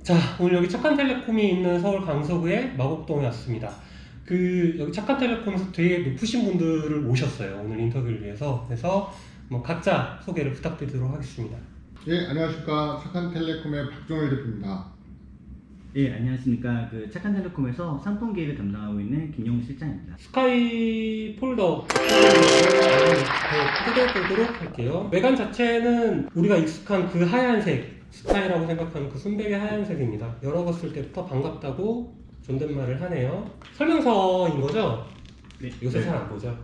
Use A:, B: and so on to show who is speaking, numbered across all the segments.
A: 자, 오늘 여기 착한텔레콤이 있는 서울 강서구의 마곡동에 왔습니다. 여기 착한텔레콤에서 되게 높으신 분들을 모셨어요. 오늘 인터뷰를 위해서. 그래서 각자 소개를 부탁드리도록 하겠습니다.
B: 예, 안녕하십니까. 착한텔레콤의 박종일 대표입니다.
C: 예, 안녕하십니까. 착한텔레콤에서 상품 기획을 담당하고 있는 김영우 실장입니다.
A: 스카이 폴더 뜯어보도록 할게요. 외관 자체는 우리가 익숙한 그 하얀색, 스카이라고 생각하는 그 순백의 하얀색입니다. 열어봤을 때부터 반갑다고 존댓말을 하네요. 설명서인 거죠?
C: 네.
A: 요새 잘 안 보죠?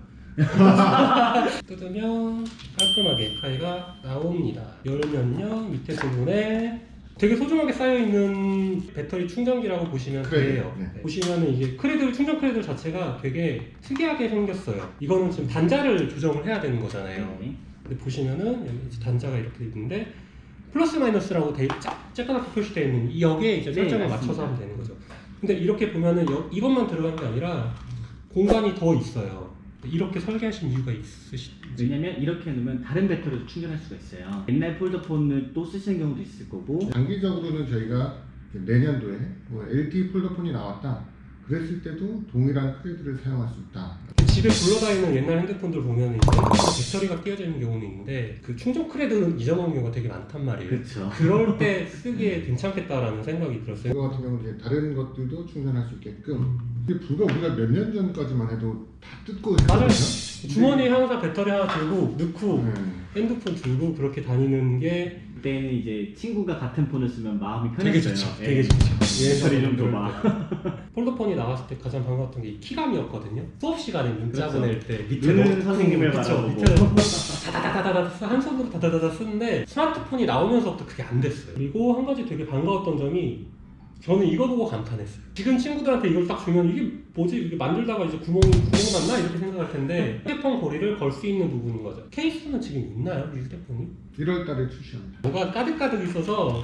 A: 뜯으면 깔끔하게 스카이가 나옵니다. 열면요, 밑에 부분에 되게 소중하게 쌓여있는 배터리 충전기라고 보시면 돼요.
B: 네.
A: 보시면은 이게 충전 크래들 자체가 되게 특이하게 생겼어요. 이거는 지금 단자를 조정을 해야 되는 거잖아요.
C: 네.
A: 근데 보시면은 여기 이제 단자가 이렇게 있는데 플러스 마이너스라고 쬐까맣게 표시되어 있는 여기에 이제 설정을 맞춰서 하면 되는 거죠. 근데 이렇게 보면은 이것만 들어간 게 아니라 공간이 더 있어요. 이렇게 설계하신 이유가 있으신지?
C: 왜냐면 이렇게 놓으면 다른 배터리도 충전할 수가 있어요. 옛날 폴더폰을 또 쓰시는 경우도 있을 거고.
B: 장기적으로는 저희가 내년도에 LTE 폴더폰이 나왔다 그랬을 때도 동일한 크레드를 사용할 수 있다.
A: 집에 굴러다니는 옛날 핸드폰들 보면 이제 배터리가 끼어져 있는 경우는 있는데 그 충전 크레드는 잊어먹는 경우가 되게 많단 말이에요.
C: 그렇죠.
A: 그럴 때 쓰기에 괜찮겠다라는 생각이 들었어요.
B: 이거 같은 경우는 이제 다른 것들도 충전할 수 있게끔 이게 불과 우리가 몇 년 전까지만 해도 다 뜯고
A: 맞아요.
B: 했거든요.
A: 주머니에 항상 배터리 하나 들고 넣고
B: 네.
A: 핸드폰 들고 그렇게 다니는 게
C: 그때는 이제 친구가 같은 폰을 쓰면 마음이
A: 되게
C: 편했어요.
A: 좋죠.
C: 예.
A: 되게 좋죠.
C: 배터리 좀
A: 그럴
C: 더
A: 때. 폴더폰이 나왔을 때 가장 반가웠던 게 키감이었거든요. 수업 시간에 문자
C: 그렇죠.
A: 보낼 때
C: 눈은 선생님을
A: 그쵸,
C: 바라보고.
A: 밑에 다다다다다다 한 손으로 다다다다 쓰는데 스마트폰이 나오면서부터 그게 안 됐어요. 그리고 한 가지 되게 반가웠던 점이 저는 이거 보고 감탄했어요. 지금 친구들한테 이걸 딱 주면 이게 뭐지? 이게 만들다가 이제 구멍 났나? 이렇게 생각할 텐데 휴대폰 고리를 걸 수 있는 부분인 거죠. 케이스는 지금 있나요? 이 휴대폰이?
B: 1월 달에 출시합니다.
A: 뭐가 가득가득 있어서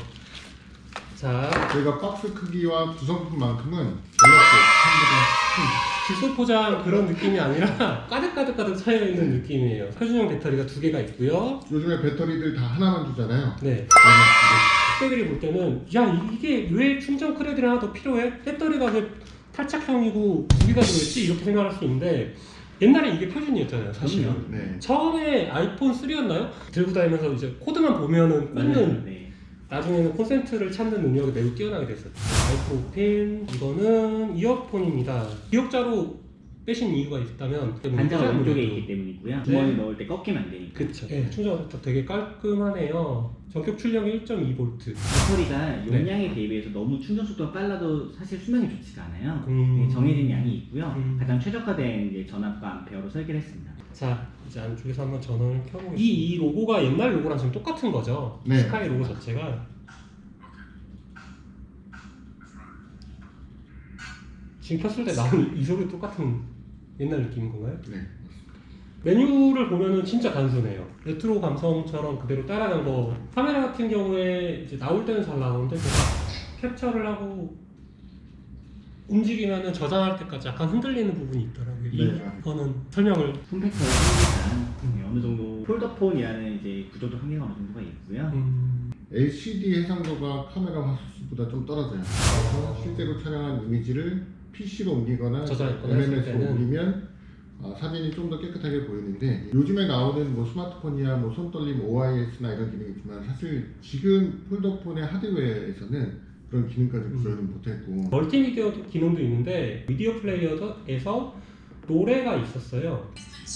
A: 자,
B: 저희가 박스 크기와 구성품만큼은 갤럭시 핸드폰
A: 질소 포장 그런 느낌이 아니라 가득가득 차여있는 느낌이에요. 표준형 배터리가 2개가 있고요.
B: 요즘에 배터리들 다 하나만 주잖아요.
A: 네. 학생들이 볼 때는 야 이게 왜 충전 크레드를 하나 더 필요해? 배터리가 왜 탈착형이고 2개가 들어있지? 이렇게 생각할 수 있는데 옛날에 이게 표준이었잖아요 사실은.
B: 네.
A: 처음에 아이폰 3였나요? 들고 다니면서 이제 코드만 보면은 꽂는
C: 네.
A: 나중에는 콘센트를 찾는 능력이 매우 뛰어나게 됐었죠. 마이크로 핀 이거는 이어폰입니다. 기억자로 빼신 이유가 있다면
C: 단자가 왼쪽에
A: 아무래도.
C: 있기 때문이고요.
A: 네.
C: 주머니 넣을 때 꺾이면 안 되니까.
A: 그쵸. 네, 충전부터 되게 깔끔하네요. 전격 출력이 1.2V.
C: 배터리가 용량에 대비해서 너무 충전 속도가 빨라도 사실 수명이 좋지가 않아요. 정해진 양이 있고요. 가장 최적화된 이제 전압과 암페어로 설계를 했습니다.
A: 자, 이제 안쪽에서 한번 전원을 켜보겠습니다. 이 로고가 옛날 로고랑 지금 똑같은 거죠?
B: 네.
A: 스카이 로고 자체가. 지금 켰을 때 나오는 이 소리 똑같은 옛날 느낌인 건가요?
B: 네.
A: 메뉴를 보면은 진짜 단순해요. 레트로 감성처럼 그대로 따라간 거. 카메라 같은 경우에 이제 나올 때는 잘 나오는데 캡처를 하고 움직이면은 저장할 때까지 약간 흔들리는 부분이 있더라고요. 이거는 설명을.
C: 폼팩터를 하니까 어느 정도 폴더폰이라는 이제 구조도 한계가 어느 정도가 있고요.
B: LCD 해상도가 카메라 화素수보다 좀 떨어져요. 그래서 실제로 촬영한 이미지를 PC로 옮기거나
A: 저장했거나 했을
B: MMS로
A: 때는
B: 옮기면 사진이 좀 더 깨끗하게 보이는데 요즘에 나오는 스마트폰이야 손떨림 OIS나 이런 기능이 있지만 사실 지금 폴더폰의 하드웨어에서는 그런 기능까지 구현은 못했고
A: 멀티미디어 기능도 있는데 미디어 플레이어에서 노래가 있었어요.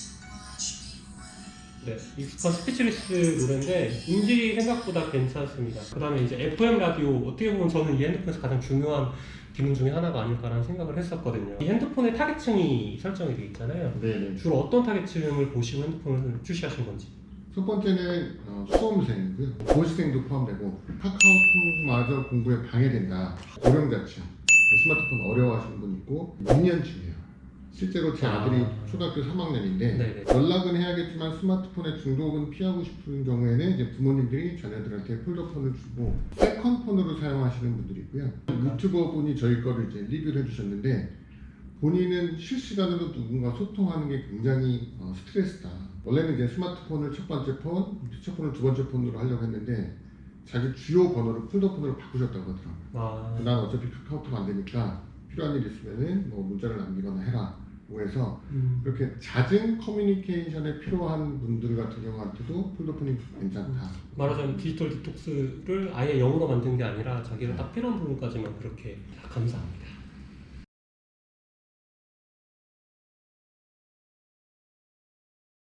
A: 네, 익스컨 스피치리스 노래인데 음질이 생각보다 괜찮습니다. 그 다음에 이제 FM 라디오, 어떻게 보면 저는 이 핸드폰에서 가장 중요한 기능 중에 하나가 아닐까라는 생각을 했었거든요. 이 핸드폰의 타겟층이 설정이 되어 있잖아요.
B: 네네.
A: 주로 어떤 타겟층을 보시고 핸드폰을 출시하신 건지.
B: 첫 번째는 수험생이고요. 고시생도 포함되고 카카오톡마저 공부에 방해된다. 고령자층, 스마트폰 어려워하시는 분 있고 6년층이에요. 실제로 제 아들이 초등학교 3학년인데
A: 네네.
B: 연락은 해야겠지만 스마트폰의 중독은 피하고 싶은 경우에는 이제 부모님들이 자녀들한테 폴더폰을 주고 세컨폰으로 사용하시는 분들이 있고요. 유튜버 분이 저희 거를 이제 리뷰를 해주셨는데 본인은 실시간으로 누군가 소통하는 게 굉장히 스트레스다. 원래는 이제 스마트폰을 첫 번째 폰, 휴대폰을 두 번째 폰으로 하려고 했는데 자기 주요 번호를 폴더폰으로 바꾸셨다고 하더라고요.
A: 아,
B: 난 어차피 카카오톡 안 되니까 필요한 일 있으면은 뭐 문자를 남기거나 해라. 그래서 이렇게 잦은 커뮤니케이션에 필요한 분들 같은 경우한테도 폴더폰이 괜찮다.
A: 말하자면 디지털 디톡스를 아예 영어로 만든 게 아니라 자기가 딱 필요한 부분까지만 그렇게 감사합니다.